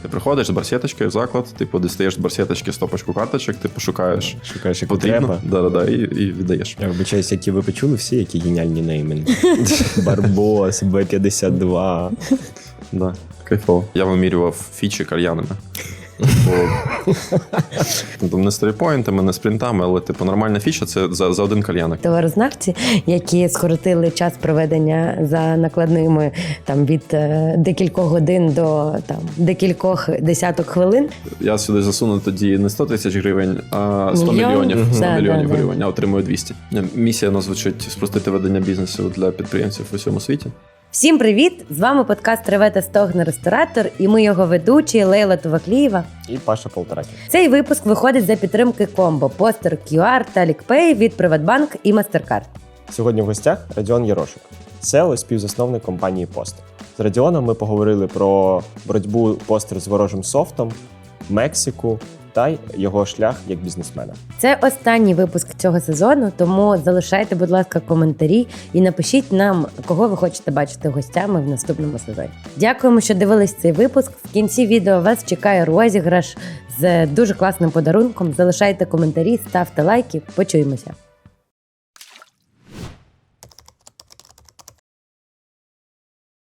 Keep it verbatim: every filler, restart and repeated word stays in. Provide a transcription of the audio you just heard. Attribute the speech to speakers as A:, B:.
A: Ти приходиш з барсеточкою в заклад, типу, дістаєш з барсеточки стопочку карточок, ти пошукаєш,
B: Шукаєш, яку
A: потрібно,
B: треба.
A: да-да-да, і, і віддаєш.
B: Я вибачаюсь, які ви почули всі, які геніальні неймінги. Барбос, Б п'ятдесят два.
A: Да, кайфово. Я вимірював фічі кальянами. Бо, там не сторіпоінтами, не спринтами, але типу нормальна фіча це за, за один кальянок.
C: Товарознавці, які скоротили час проведення за накладними там від е, декількох годин до там декількох десяток хвилин.
A: Я сюди засуну тоді не сто тисяч гривень, а сто
C: Мільйон?
A: мільйонів. сто
C: Да,
A: мільйонів
C: да, да.
A: гривень, я отримую двісті. Місія нас звучить спростити ведення бізнесу для підприємців у всьому світі.
C: Всім привіт! З вами подкаст «Реве та стогне ресторатор» і ми його ведучі Лейла Туваклієва.
B: І Паша Полторакін.
C: Цей випуск виходить за підтримки комбо Постер кью ар та Лікпей від Приватбанк і Мастеркард.
B: Сьогодні в гостях Радіон Єрошик, сео і співзасновник компанії Постер. З Радіоном ми поговорили про боротьбу Постер з ворожим софтом, Мексику та й його шлях як бізнесмена.
C: Це останній випуск цього сезону, тому залишайте, будь ласка, коментарі і напишіть нам, кого ви хочете бачити гостями в наступному сезоні. Дякуємо, що дивились цей випуск. В кінці відео вас чекає розіграш з дуже класним подарунком. Залишайте коментарі, ставте лайки. Почуємося.